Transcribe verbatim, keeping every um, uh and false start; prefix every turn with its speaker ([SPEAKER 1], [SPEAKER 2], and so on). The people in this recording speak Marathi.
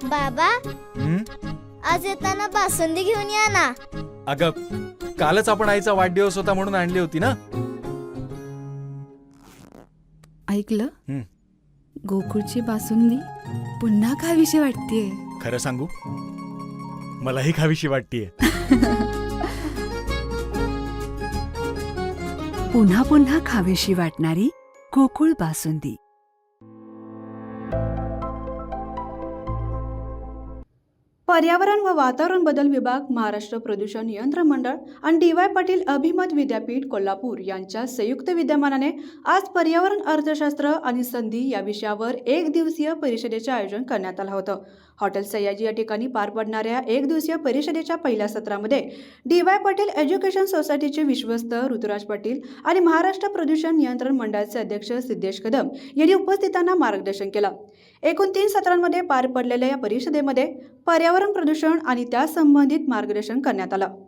[SPEAKER 1] बाबा,
[SPEAKER 2] हं?
[SPEAKER 1] आज येताना बासुंदी घेऊन या ना.
[SPEAKER 2] अगं, कालच आपण आईचा वाढदिवस होता म्हणून आणली होती ना.
[SPEAKER 3] ऐकलं?
[SPEAKER 2] हं.
[SPEAKER 3] गोकुळची बासुंदी पुन्हा खावीशी वाटतेय.
[SPEAKER 2] खरं सांगू, मलाही खावीशी वाटतीये.
[SPEAKER 4] पुन्हा पुन्हा खावीशी वाटणारी गोकुळ बासुंदी.
[SPEAKER 5] पर्यावरण व वातावरण बदल विभाग, महाराष्ट्र प्रदूषण नियंत्रण मंडळ आणि डी वाय पाटील अभिमत विद्यापीठ कोल्हापूर यांच्या संयुक्त विद्यमानाने आज पर्यावरण अर्थशास्त्र आणि संधी या विषयावर एक दिवसीय परिषदेचे आयोजन करण्यात आलं होतं. हॉटेल सयाजी या ठिकाणी पार पडणाऱ्या एक दिवसीय परिषदेच्या पहिल्या सत्रामध्ये डी वाय पाटील एज्युकेशन सोसायटीचे विश्वस्त ऋतुराज पाटील आणि महाराष्ट्र प्रदूषण नियंत्रण मंडळाचे अध्यक्ष सिद्धेश कदम यांनी उपस्थितांना मार्गदर्शन केलं. एकूण तीन सत्रांमध्ये पार पडलेल्या या परिषदेमध्ये पर्यावरण प्रदूषण आणि त्या संबंधित मार्गदर्शन करण्यात आलं.